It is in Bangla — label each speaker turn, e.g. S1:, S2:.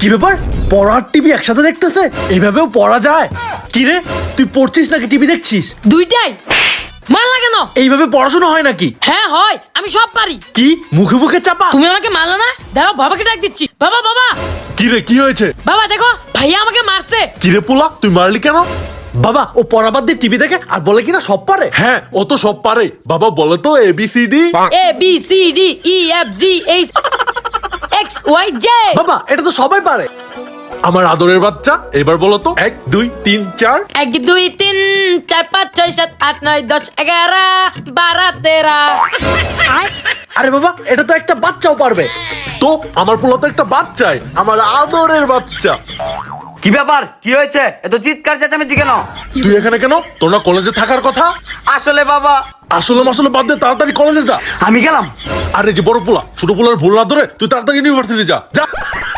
S1: কি ব্যাপার, পড়ার টিভি একসাথে দেখতেছে? এইভাবেও পড়া যায়? কি রে, তুই পড়ছিস নাকি টিভি দেখছিস?
S2: দুইটাই। মারলা কেন?
S1: এইভাবে পড়াশোনা হয় নাকি?
S2: হ্যাঁ হয়, আমি সব পারি।
S1: কি মুখে মুখে চাপা?
S2: তুমি আমাকে মারলা না? দাঁড়াও, বাবাকে ডাক দিচ্ছি। বাবা বাবা
S3: কি রে, কি হয়েছে?
S2: বাবা দেখো, ভাইয়া আমাকে মারছে।
S3: কি রে পোলা, তুই মারলি কেন?
S1: বাবা, ও পড়া বাদ দিয়ে টিভি দেখে আর বলে কিনা সব পারে।
S3: হ্যাঁ, ও তো সব পারে। বাবা বলে তো ABCD।
S2: A B C D E F G H X Y J.
S1: বাবা, এটা তো সবাই পারে।
S3: আমার আদরের বাচ্চা, এবার বলো তো 1 2 3 4।
S2: 1 2 3 4 5 6 7 8 9 10 11 12 13।
S1: আরে বাবা, এটা তো একটা বাচ্চাও পারবে।
S3: তো আমার পোলা তো একটা বাচ্চাই, আমার আদরের বাচ্চা।
S4: কি ব্যাপার, কি হয়েছে? এত চিৎকার চেঁচামেচি কেন?
S3: তুই এখানে কেন? তোর না কলেজে থাকার কথা?
S4: আসলে বাবা,
S3: আসলে মাসলে বাদ দে, তাড়াতাড়ি কলেজে যা।
S4: আমি গেলাম।
S3: আরে যে বড় পোলা, ছোট পোলার ভুল না ধরে তুই তাড়াতাড়ি ইউনিভার্সিটি যা যা।